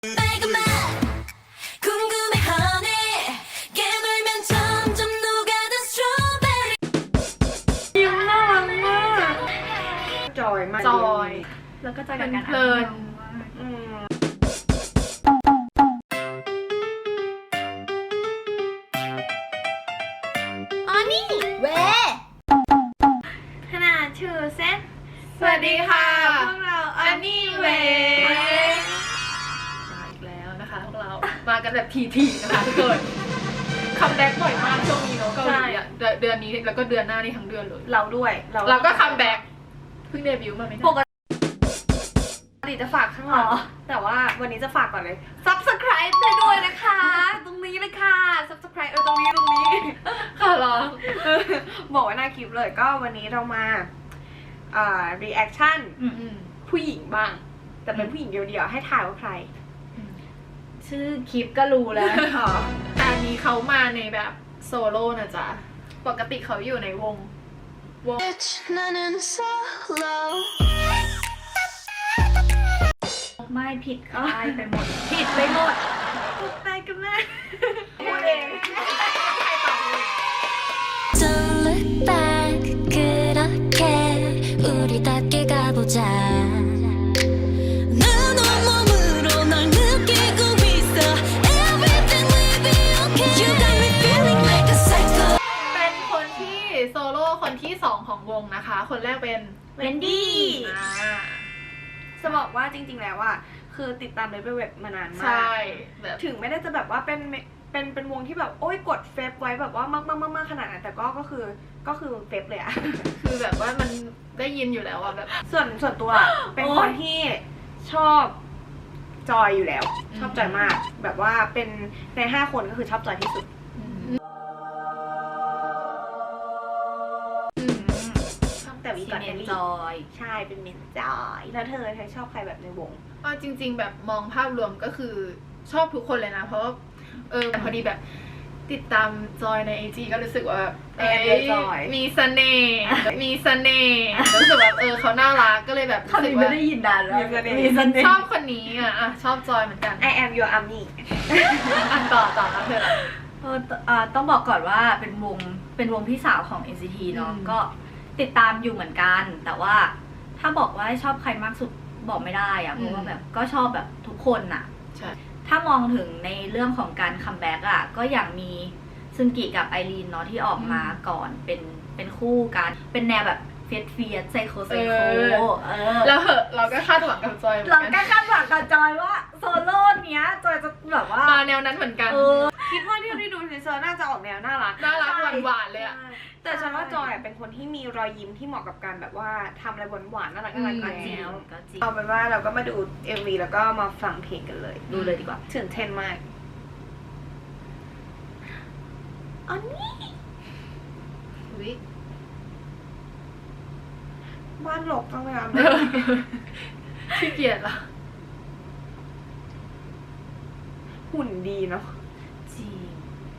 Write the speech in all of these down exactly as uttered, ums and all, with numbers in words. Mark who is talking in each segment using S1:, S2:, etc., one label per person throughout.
S1: ยิ้มน่ารักมากจอยมาก
S2: จอย
S3: แล้วก็จอยกับการ
S2: เพลิน
S1: อืม
S3: อ๋อนี่เวขนาดชื่อเซน
S2: สวัสดีค่ะ
S1: พวกเรา
S2: อันนี้เวมาอีกแล้วนะคะพวกเรา มากันแบบทีๆนะคะทุกคนคัมแบ็กบ่อยมากช่วงนี้เนาะเกาหลีอ่ะเดือนเดือนนี้แล้วก็เดือนหน้านี่ทั้งเดือนเลย
S1: เราด้วย
S2: เราก็คัมแบ็กเพิ่งเดบิวต์มาไม่นาน
S1: ปกติจะฝากข้างหลังแต่ว่าวันนี้จะฝากก่อนเลย subscribe ให้ด้วยนะคะ ตรงนี้เลยค่ะ subscribe เออตรงนี้ตรงนี้
S2: ค่ะเหรอ
S1: บอกไว้หน้าคลิปเลยก็วันนี้เรามาอ่า reaction
S2: อืม
S1: ผู้หญิงบ้าง แต่เป็นผู้หญิงเดียวๆให้ถ่ายว่าใคร
S3: ชื่อคลิปก็รู้แล้ว
S1: อ๋อ
S2: แต่อันนี้เขามาในแบบโซโล่นะจ๊ะปกติเขาอยู่ในวงวง
S3: ไม่ผิดค่ายไปหมด ผิดไปหมด
S1: พูดไปกันแม่พูดเอง
S4: Don't look back 그렇게 우리 답게 가보자 난 온몸으로 널 느끼고 있어 Everything will be okay You got me feeling like a psycho
S2: เป็นคนที่โซโล่คนที่สองของวงนะคะ คนแรกเป็น
S1: เวนดี้
S2: อ่า
S1: จะบอกว่าจริงๆแล้วอ่ะคือติดตามเลเวลเว็บมานานมาก
S2: ใช่แบบ
S1: ถึงไม่ได้จะแบบว่าเป็นเป็นเป็นวงที่แบบโอ้ยกดเฟซไว้แบบว่ามากมากมากมากขนาดนั้นแต่ก็ก็คือก็คือเฟซเลยอะ
S2: คือแบบว่ามันได้ยินอยู่แล้วอะแบบ
S1: ส่วนส่วนตัวเป็นคนที่ชอบจอยอยู่แล้ว ชอบจอยมาก แบบว่าเป็นในห้าคนก็คือชอบจอยที่สุด
S2: อืม
S1: ชอบแต่วีก่อน
S3: เม
S1: เอน
S3: น
S1: ลี่
S3: จอย
S1: ใช่เป็นเมนจอยแล้วเธอเธอชอบใครแบบในวง
S2: เอาจริง ๆ แบบมองภาพรวมก็คือชอบทุกคนเลยนะ เพราะว่าเออพอดีแบบติดตามจอยในไอจีก็รู้สึกว่าแบบ
S1: แอนเลยจอย
S2: มีเสน่ห์มีเสน่ห์รู้สึกแบบเออเขาน่ารักก็เลยแบบรู้สึกว่า
S3: นานแล้ว
S1: มีเสน่ห์
S3: มีเสน่ห์
S2: ชอบคนนี้อ่ะอ่ะชอบจอยเหมือนกัน
S1: I am your army
S2: อันต่อต่อแล้วเธอ
S3: เออเอ่อต้องบอกก่อนว่าเป็นวงเป็นวงพี่สาวของ เอ็น ซี ที เนาะ
S2: อืม
S3: ก็ติดตามอยู่เหมือนกัน แต่ว่าถ้าบอกว่าชอบใครมากสุดบอกไม่ได้อะเพราะว่าแบบก็ชอบแบบทุกคนอะ
S2: ใช่
S3: ถ้ามองถึงในเรื่องของการคัมแบ็กอะก็อย่างมีซึงกิกับไอรีนเนาะที่ออกมาก่อนเป็นเป็นคู่กันเป็นแนวแบบเฟียสเฟียสไซโคไซโคเออ
S2: แล้วเหอะเราก็คาดหวังกับจอยเหมือน
S3: เรา
S2: กัน
S3: ก็คาดหวังกับจอยว่าโซโล่เนี้ยจอยจะแบบว่า
S2: มาแนวนั้นเหมือนกัน
S3: เออ
S1: คิดว่าที่ที่ดูทีเซอร์น่าจะออกแนวน่ารัก
S2: น่ารัก
S3: ใช่
S2: หวานๆเลยอ่ะ
S1: แต่ฉันว่าจอยเป็นคนที่มีรอยยิ้มที่เหมาะกับการแบบว่าทำอะไรหวานๆน่ารักน่ารัก
S2: อืม
S1: กัน
S3: จริง
S1: แล้ว
S3: ก็จริง
S1: เอาเป็นว่าเราก็มาดู เอ็ม วี แล้วก็มาฟังเพลงกันเลย
S3: ดูเลยดีกว่า
S1: ตื่นเต้นมากอันนี้
S2: อุ๊ย
S1: บ้านหลกจังเลยอ่ะ
S2: ขี้เกียจเหรอ
S1: หุ่นดีเนาะ
S3: จริง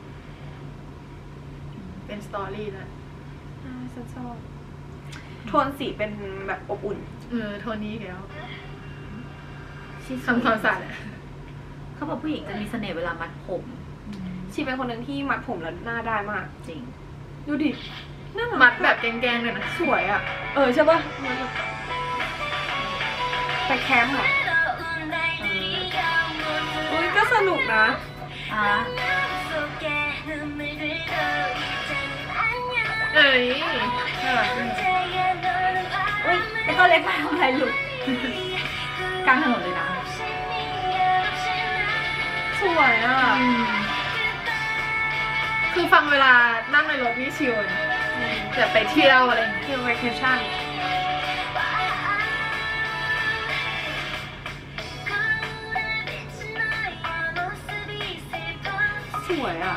S2: เป็นสตอรี่นะ
S1: อ่าฉันชอบโทนสีเป็นแบบอบอุ่น
S2: เออโทนี้แล้ว
S3: ชีสวย
S2: ทำความสะอาดอะ
S3: เขาบอกผู้หญิงจะมีเสน่ห์เวลามัดผม
S1: ชีเป็นคนหนึ่งที่มัดผมแล้วหน้าได้มาก
S3: จริง
S1: ดูดิหน้า
S2: มัดแบบแกงๆเลยนะ
S1: สวยอ่ะ เออใช่ปะไปแคมป์เหรออุ้ยก็สนุกนะ
S3: อ่ะ
S2: เอ้ยน่ารักจัง
S3: อุ้ยไอ้ตัวเล็กมาทำอะไรลูกกลางถนนเลยนะ
S1: สวยอ่ะ
S2: อืมคือฟังเวลานั่งในรถนี่ชิลนะแบบไปเที่ยวอะไรอย่างเงี้ย
S1: เที่ยว vacation สวยอ่ะ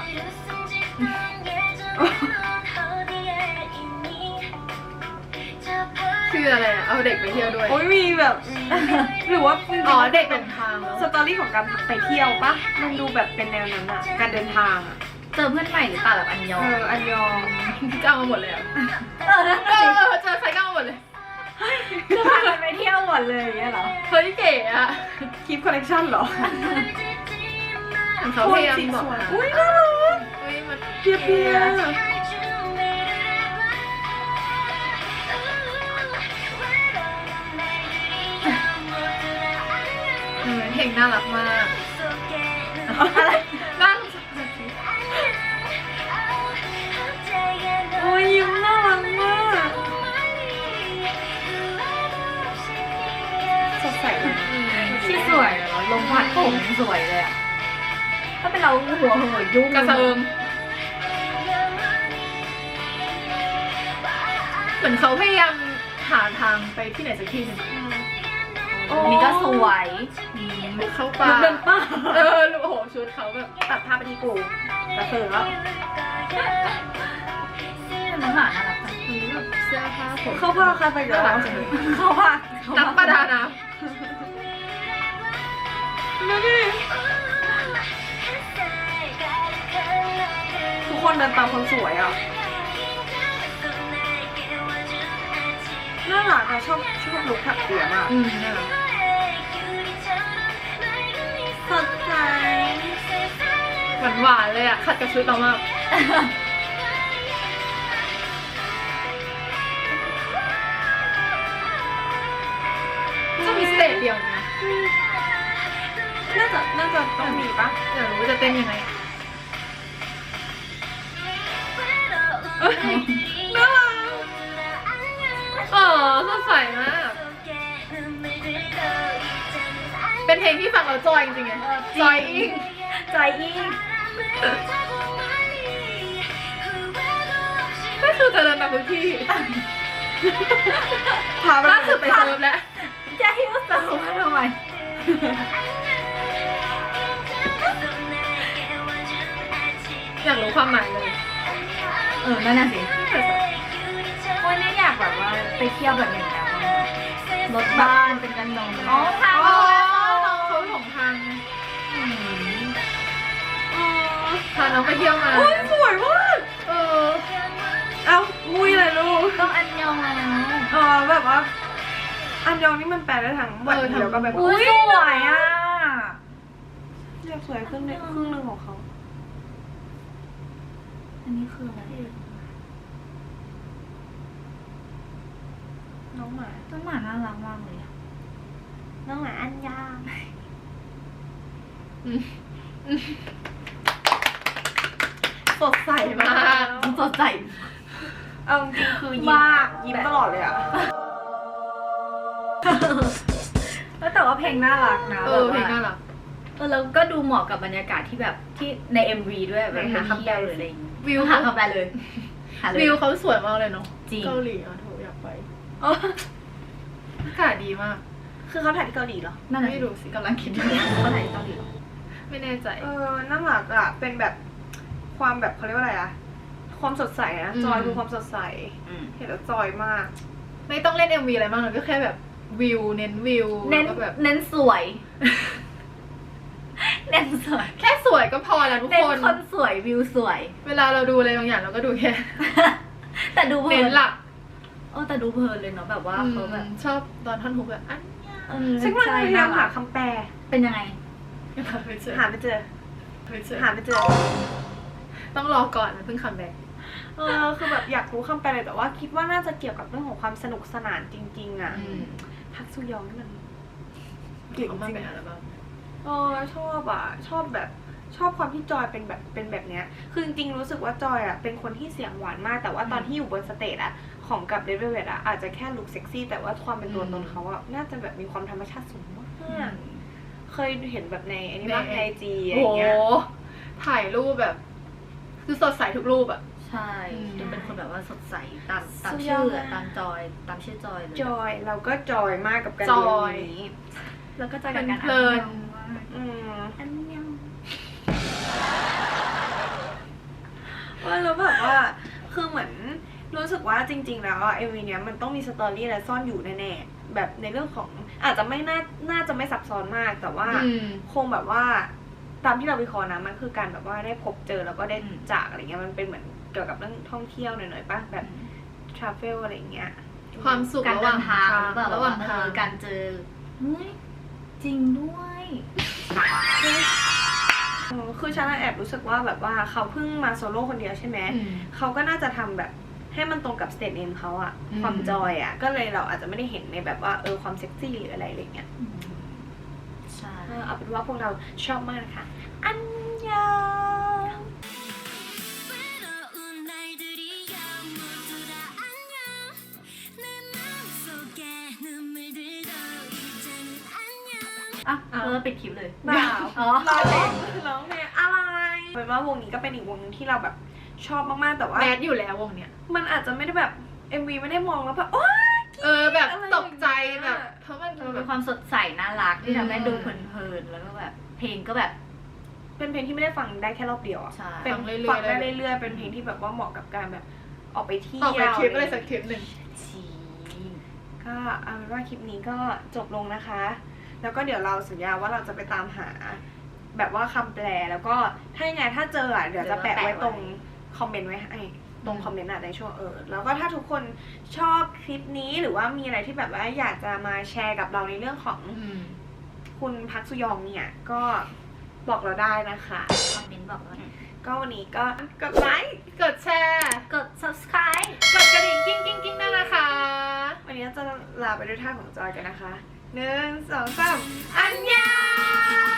S2: คืออะไรอะเอาเด็กไปเที่ยวด้วย
S1: โอ้ยมีแบบ หรือว่าจริงๆ
S2: อ๋อ
S1: มัน
S2: เด็ก
S1: เป็
S2: เดิ
S1: น
S2: นทางแล้ว
S1: สตอรี่ของการไปเที่ยวปะมันดูแบบเป็นแนวนั้นอ่ะ การเดินทางอ่ะ
S3: เจอเพื่อนใหม่หรือเปล่าแบบอันยอ
S1: เอง อ อันยอง
S2: ก็เอามาหมดเลยอะ
S3: เออนั่น
S2: เอ
S3: สิ
S2: อเจอใครก็เอาหมดเลย
S1: เ
S3: คือพากันไปเที่ยวหมดเลยอย่างเงี้ยเหรอ
S2: เฮ้ยเก๋อะ
S1: คลิปคอลเลคชันเหรอ
S2: เขาพยายามบอก
S1: โทนสีสวย
S2: นะ
S1: อุ้ยน่ารัก
S2: เฮ้ยมัน
S1: เพียเพีย
S2: เออเพลงน่ารักมาก
S3: อะไร
S2: น่า
S1: โอ้ยยิ้มน่ารักมากสดใสเลย
S3: ที่สวยเหรอลมพัดผมยังสวยเลยอ่ะ ถ้าเป็นเราหัวเหอะยุ่ง
S2: กระเซิมเหมือนเขาพยายามหาทางไปที่ไหนสักที่หนึ่ง
S3: นี่ก็สวย
S2: ลุกเข้าป่า
S1: เดินป่า
S2: เออโอ้โหชุดเขาแบบ
S1: ตัดภาพไปที่กูกระเสือแล้ว
S3: น้องหมาน่ารักจัง
S2: เฮ้ยแบบเสื้อผ้าผม
S1: เข้าผ้าใครไปเดี๋ยว
S2: น่ารักจังเลย
S3: เขาว่า
S2: นักประดาน้
S1: ดูดิทุกคนเดินตามคนสวยอ่ะน่ารักอะชอบชอบลุคถักเปียมาก
S2: ำอืมน่ารัก
S1: สดใส
S2: หวานหวานๆเลยอ่ะขัดกับชุดเรามากจะมีสเตจเดียวนะ
S1: น่าจะน่าจะต้องมีปะ
S2: อยากรู้ว่าจะเต้นยังไง
S1: น่ารัก
S2: อ๋อสดใสมาก เป็นเพลงที่ฟังเราจอยจริงๆไงจอยอิง
S3: ใจอิง
S2: ก็คือจะเดินตามทุกที่
S1: พาไป
S2: ล่าสุดไปเซิร์ฟแล้ว
S3: จะให้ว่าเซิร์ฟมาทำไม
S2: อยากรู้ความหมายเลย
S3: เออ นั่นน่ะสิวันนี้อยากแบบว่าไปเที่ยวแบบอย่างนั้นรถบ้านเป็นกันนมอ๋อทาง
S2: อ๋อ
S3: เรา
S2: น้องเขาหลงทางไงพาน้องไปเที่ยวมา
S1: โอ้ยสวยมาก
S2: เออ
S1: เอ้ามุยเลยลูก
S3: ต้องอันยองแล้ว
S1: เออแบบว่า อันยองนี่มันแปลได้ทั้งวันเดียวก็แบบ
S3: อุ้ยสวยอ่ะ
S1: อยากสวยครึ่งหนึงครึ่งหนึงของเขา
S3: อันนี้คืออะไร
S1: น้องหมา
S3: ต้นหมาน่ารักมากเลยอะ
S1: น้องหมาอันยาง
S2: อืม
S1: สดใสมาก
S3: สดใส
S1: เอาจริงๆคือยิ้ม
S3: มาก
S1: ยิ้มตลอดเลยอ่ะ
S3: แล้วแต่ว่าเพลงน่ารักนะ
S2: เออเพลงน่ารัก
S3: เออแล้วก็ดูเหมาะกับบรรยากาศที่แบบที่ใน เอ็ม วี ด้วยแบบ
S1: หา
S3: หา
S1: คำ
S3: คำ
S1: แป
S3: แป
S1: ล
S3: ลหรืออะไรอย่างงี้
S2: วิว
S3: หาคำแปลเลยหาเลย
S2: วิวเขาสวยมากเลยเนาะ
S3: จริง
S2: เกาหลีอ่ะโถอยากไป
S1: อ๋อ
S2: อากาศดีมาก
S1: คือเขาถ่ายที่เกาหลีเหรอ
S3: นั่นน่ะ
S2: ไม่รู้สิ
S3: กำลังคิดอยู่เขาถ่ายที่เกาหลีเหรอ
S2: ไม่แน่ใจ
S1: เออน่ารักอ่ะ เป็นแบบความแบบเขาเรียกว่าอะไรอ่ะ ความสดใสนะ
S2: อืม
S1: จอยคือความสดใส
S3: อืม
S1: เห็นแล้วจอยมาก
S2: ไม่ต้องเล่น เอ็ม วี อะไรมากเลยก็แค่แบบวิวเน้นวิว
S3: เน้น
S2: แล้วก็แบบ
S3: เน้นสวย เน้นสวย
S2: แค่สวยก็พอแล้วทุก
S3: เน้น
S2: คน
S3: คนสวยวิวสวย
S2: เวลาเราดูอะไรบางอย่างเราก็ดูแค่
S3: แต่ดูเพลิ
S2: เน้น
S3: น
S2: หลัก
S3: เออแต่ดูเพลินเลยเนาะแบบว่าเขาแบบ
S2: อืมชอบตอนท่อนฮุกแบบอัน
S3: เออ
S1: ฉันกำลัง
S3: ใช่
S1: พยายามหา
S3: น่รัก
S1: คำแปล
S3: เป็นยังไง
S2: หาไม่เจอ
S1: หาไม่เจอ
S2: ไม่เจอ
S1: หาไม่เจอ
S2: ต้องรอก่อนมันเพิ่งคัมแบ็ก
S1: เออ คือแบบอยากรู้คำแปลเลยแต่ว่าคิดว่าน่าจะเกี่ยวกับเรื่องของความสนุกสนานจริง ๆ อ่ะ พักซุยองนี่มันเก่ง
S2: เขา
S1: จ
S2: มา
S1: ริง
S2: เป็นอัลบั้ม
S1: เออชอบอ่ะ ชอบแบบชอบความที่จอยเป็นแบบเป็นแบบเนี้ย คือจริงๆรู้สึกว่าจอยอ่ะเป็นคนที่เสียงหวานมาก แต่ว่าตอนที่อยู่บนสเตจอ่ะของกับเดวิดอ่ะอาจจะแค่ลุคเซ็กซี่แต่ว่าความเป็นตัวตนเขาอ่ะน่าจะแบบมีความธรรมชาติสูงมากเคยเห็นแบบในอันนี้บ้างในไอจีอะไร
S2: โอ้โห
S1: เงี้ย
S2: ถ่ายรูปแบบ คือสดใสทุกรูปอ่ะ
S3: ใช่
S2: อืม
S3: ดูเป็นคนแบบว่าสดใสตามตาม
S1: สุดย
S3: ชื่
S1: อ
S3: อ
S1: ด
S3: อะ
S1: มาก
S3: ตามจอยตามชื่อจอยเลย
S1: จอยเราก็จอยมากกับการ
S2: จ
S1: ดู
S2: อย
S1: อันนี้
S3: แล้วก็จอยกับการ
S2: เพลิน
S3: อัยองมาก
S1: อืม
S3: อันยัง
S1: ว่าแล้วแบบว่าคือเหมือนรู้สึกว่าจริง ๆ แล้วอะเอ็มวีเนี้ยมันต้องมีสตอรี่อะไรซ่อนอยู่แน่ๆแบบในเรื่องของอาจจะไม่น่าน่าจะไม่ซับซ้อนมากแต่ว่า
S2: อืม
S1: คงแบบว่าตามที่เราวิเคราะห์นะมันคือการแบบว่าได้พบเจอแล้วก็ได้จากอะไรเงี้ยมันเป็นเหมือนเกี่ยวกับเรื่องท่องเที่ยวหน่อยๆป่ะแบบทราเวลอะไรเงี้ย
S2: ความสุข
S3: การ
S2: ระห
S3: เดิ
S2: ว่าง
S3: นทางหรือเปล่า
S2: ระหว่าง
S3: เอ
S2: ทาง
S3: อการเจอเฮ้ยจริงด้วย
S1: เออคือฉันแอบรู้สึกว่าแบบว่าเขาเพิ่งมาโซโล่คนเดียวใช่ไหม
S2: อืม
S1: เขาก็น่าจะทำแบบให้มันตรงกับสเตทเนมเขาอะ
S2: อืม
S1: ความจอยอะก็เลยเราอาจจะไม่ได้เห็นในแบบว่าเออความเซ็กซี่หรืออะไรอะไรเงี้ย
S3: ใช่
S1: เออเอาเป็นว่าพวกเราชอบมากนะคะอันยอง
S4: 외로운 날들이야 모두 다 안녕 내 마음속에 눈물들도 이제는 안녕
S3: อ่ะเออปิดคลิปเลย
S1: เปล่า
S3: อ๋อ
S1: ร้องเพลงร้องเพลงอะไรเป็นว่าวงนี้ก็เป็นอีกวงนึงที่เราแบบชอบมากๆแต่ว่า
S2: แมสอยู่แล้ววงเนี้ย
S1: มันอาจจะไม่ได้แบบ เอ็ม วี ไม่ได้มองแล้วแบบโอ๊ย
S2: เออแบบ
S1: อะไร
S2: ตกใจ
S1: อย่างเงี้ย
S2: แบบเพราะมัน
S3: มัน
S2: แบ
S3: เป็น
S2: บ
S3: ความสดใสน่ารักที่ทำให้
S2: อืม
S3: ดูเพลินๆแล้วก็แบบ เพลงก็แบบ
S1: เป็นเพลงที่ไม่ได้ฟังได้แค่รอบเดียวอะ
S3: ใช่
S1: เป็น
S2: ฟังเรื่อยๆ
S1: ฟังได้เรื่อยๆเป็นเพลงที่แบบว่าเหมาะกับการแบบออกไปเที่ยว
S2: ออกไปทริปอะไรสักทริปหนึ่ง
S3: ชี
S1: ก็เอาเป็นว่าคลิปนี้ก็จบลงนะคะ แล้วก็เดี๋ยวเราสัญญาว่าเราจะไปตามหา แบบว่าคำแปลแล้วก็ถ้ายังไงถ้าเจออะเดี๋ยวจะแปะไว้ตรงคอมเมนต์ไว้ให้ตรงคอมเมนต์อะในช่วงเออแล้วก็ถ้าทุกคนชอบคลิปนี้หรือว่ามีอะไรที่แบบว่าอยากจะมาแชร์กับเราในเรื่องของ
S2: อืม
S1: คุณพักสุยองเนี่ยก็บอกเราได้นะคะ
S3: คอมเมนต์บอกว่า
S1: ก็วันนี้ก็กดไลค์
S2: กดแชร์
S3: กด subscribe
S2: กดกระดิ่งกิ้งกิ้งกิ้งด้วยนะคะ
S1: วันนี้จะลาไปด้วยท่าของจอยกันนะคะหนึ่งสองสามอันยอง